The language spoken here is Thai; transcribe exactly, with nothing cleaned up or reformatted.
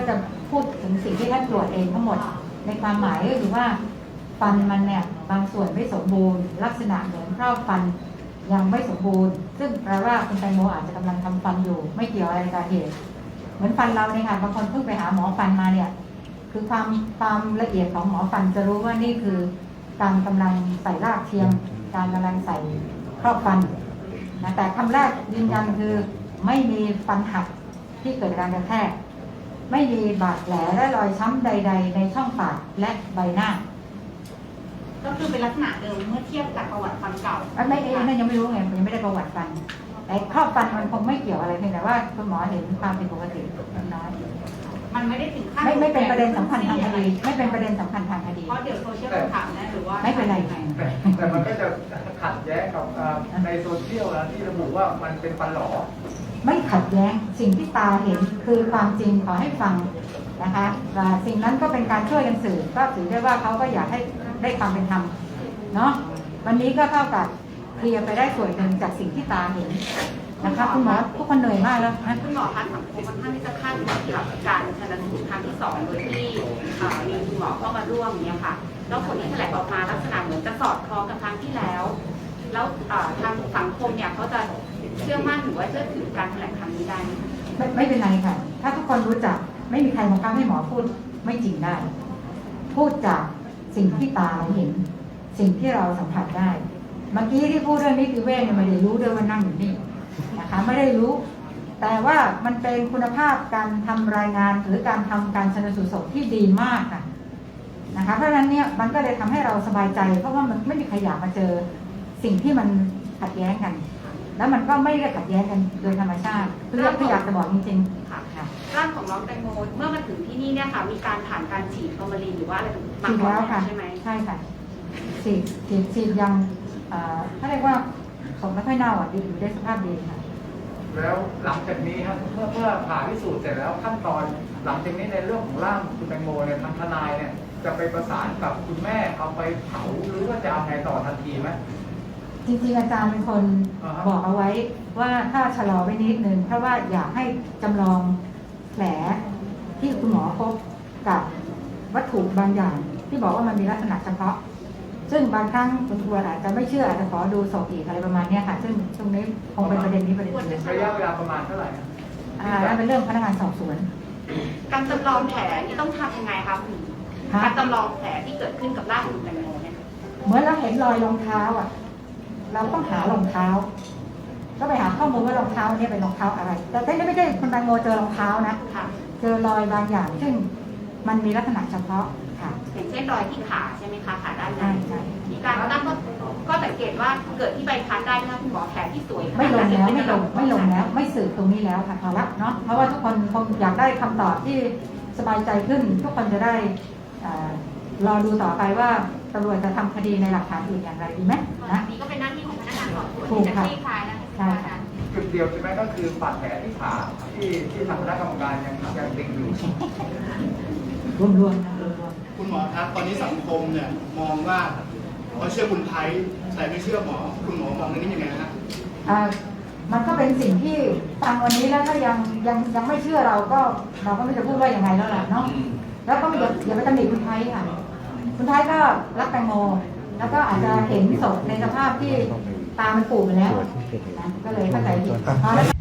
ก็จะพูดถึงสิ่งที่ท่านตรวจเองทั้งหมดในความหมายก็คือว่าฟันมันเนี่ยบางส่วนไม่สมบูรณ์ลักษณะเหมือนครอบฟันยังไม่สมบูรณ์ซึ่งแปลว่าคุณแตงโมอาจจะกำลังทำฟันอยู่ไม่เกี่ยวอะไรกับเหตุเหมือนฟันเราเนี่ยค่ะบางคนเพิ่งไปหาหมอฟันมาเนี่ยคือความความละเอียดของหมอฟันจะรู้ว่านี่คือการกำลังใส่รากเทียมการกำลังใส่ครอบฟันนะแต่คำแรกยืนยันคือไม่มีฟันหักที่เกิดการกระแทกไม่มีบาดแผลและรอยช้ำใดๆในช่องปากและใบหน้าก็คือเป็นลักษณะเดิมเมื่อเทียบกับประวัติฟันเก่าไม่เองนั่นยังไม่รู้ไงยังไม่ได้ประวัติฟันแต่ครอบฟันมันคงไม่เกี่ยวอะไรเพียงแต่ว่าคุณหมอเห็นความผิดปกติน้อยมันไม่ได้ถึงขั้นไม่ไม่เป็นประเด็นสำคัญทางคดีไม่เป็นประเด็นสำคัญทางคดีเพราะเดี๋ยวโซเชียลถามนะหรือว่าไม่เป็นไรแต่แต่มันก็จะขัดแย้งกับในโซเชียลนะที่ระบุว่ามันเป็นฟันหลอไม่ขัดแย้งสิ่งที่ตาเห็นคือความจริงขอให้ฟังนะคะว่าสิ่งนั้นก็เป็นการช่วยกันสื่อก็ถือได้ว่าเขาก็อยากให้ได้ความเป็นธรรมเนาะวันนี้ก็เท่ากับเคลียร์ไปได้ส่วนหนึ่งจากสิ่งที่ตาเห็นนะคะคุณหมอทุกคนเหนื่อยมากแล้วนะคุณหมอคะสังคมค่อนข้างที่จะคาดหวังกับการชันสูตรครั้งที่สองโดยที่มีคุณหมอเข้ามาร่วมเนี่ยค่ะแล้วผลที่แถลงออกมาลักษณะเหมือนจะสอดคล้องกับครั้งที่แล้วแล้วทางสังคมเนี่ยเขาจะเชื่อมั่นหรือว่าเชื่อถือการแถลงครั้งนี้ได้ไหมไม่ไม่เป็นไรค่ะถ้าทุกคนรู้จักไม่มีใครบังคับให้หมอพูดไม่จริงได้พูดจากสิ่งที่ตาเราเห็นสิ่งที่เราสัมผัสได้เมื่อกี้ที่พูดเรื่องนิติเวชเนี่ยไม่ได้รู้ด้วยว่านั่งอยู่นี่นะคะไม่ได้รู้แต่ว่ามันเป็นคุณภาพการทำรายงานหรือการทำการชันสูตรศพที่ดีมากค่ะนะคะเพราะฉะนั้นเนี่ยมันก็เลยทำให้เราสบายใจเพราะว่ามันไม่มีใครอยากมาเจอสิ่งที่มันขัดแย้งกันแล้วมันก็ไม่ได้ขัดแย้งกันโดยธรรมชาติเพื่อที่อยากจะบอกจริงๆค่ะร่างของน้องแตงโมเมื่อมาถึงที่นี่เนี่ยค่ะมีการผ่านการฉีดฟอร์มาลีนหรือว่าอะไรมาก่อนใช่ไหมใช่ค่ะฉีดฉีดฉีดยังเขาเรียกว่าศพไม่ค่อยเน่าอ่ะดีอยู่ได้สภาพดีค่ะแล้วหลังจากนี้ครับเมื่อเมื่อผ่าพิสูจน์เสร็จแล้วขั้นตอนหลังจากนี้ในเรื่องของร่างคุณแตงโมเนี่ยทางทนายเนี่ยจะไปประสานกับคุณแม่เอาไปเผาหรือว่าจะเอาไงต่อทันทีไหมจริงๆอาจารย์เป็นคนบอกเอาไว้ว่าถ้าชะลอไว้นิดนึงเพราะว่าอยากให้จำลองแผลที่คุณหมอพบกับวัตถุบางอย่างที่บอกว่ามันมีลักษณะเฉพาะซึ่งบางครั้งคุณครูอาจจะไม่เชื่ออาจจะขอดูศพอีกอะไรประมาณนี้ค่ะซึ่งตรงนี้คงเป็นประเด็นนี้ประเด็นนึงระยะเวลาประมาณเท่าไหร่อ่านั่นเป็นเรื่องพนักงานสอบสวนการจำลองแผลนี่ต้องทำยังไงคะคุณการจำลองแผลที่เกิดขึ้นกับร่างคุณแตงโมเนี่ยเหมือนเราเห็นรอยรองเท้าอ่ะเราต้องหารองเท้าก็ไปหาข้อมูลว่ารองเท้าเนี่ยเป็นรองเท้าอะไรแต่ไม่ใช่คุณแตงโมเจอรองเท้านะเจอรอยบางอย่างซึ่งมันมีลักษณะเฉพาะค่ะอย่างเช่นรอยที่ขาใช่ไหมคะขาด้านในใช่มีการตั้งก็สังเกตว่าเกิดที่ใบพัดได้นะคุณหมอแผลที่สวยไม่ลงแล้วไม่ลงไม่ลงแล้วไม่สืบตรงนี้แล้วค่ะพอละเนาะเพราะว่าทุกคนคงอยากได้คำตอบที่สบายใจขึ้นทุกคนจะได้รอดูต่อไปว่าตำรวจจะทำคดีในหลักฐานอื่นอย่างไรดีไหมนะนี่ก็เป็นหน้าที่ของพนักงานสอบสวนที่จะคลี่คลายนะใช่ค่ะจุดเดียวใช่ไหมก็คือบาดแผลที่ขาที่ที่ทางคณะกรรมการยังยังติดอยู่รวมๆนะคุณหมอครับตอนนี้สังคมเนี่ยมองว่าเขาเชื่อคุณไทยแต่ไม่เชื่อหมอคุณหมอมองเรื่องนี้ยังไงครับมันก็เป็นสิ่งที่ฟังวันนี้แล้วถ้ายังยังยังไม่เชื่อเราก็เราก็ไม่จะพูดว่ายังไงแล้วล่ะเนาะแล้วก็อย่าอย่าไปตำหนิคุณไทยค่ะคุณไทยก็รักแตงโมแล้วก็อาจจะเห็นศพในสภาพที่ตามันปูดไปแล้วนะก็เลยเข้าใจผิด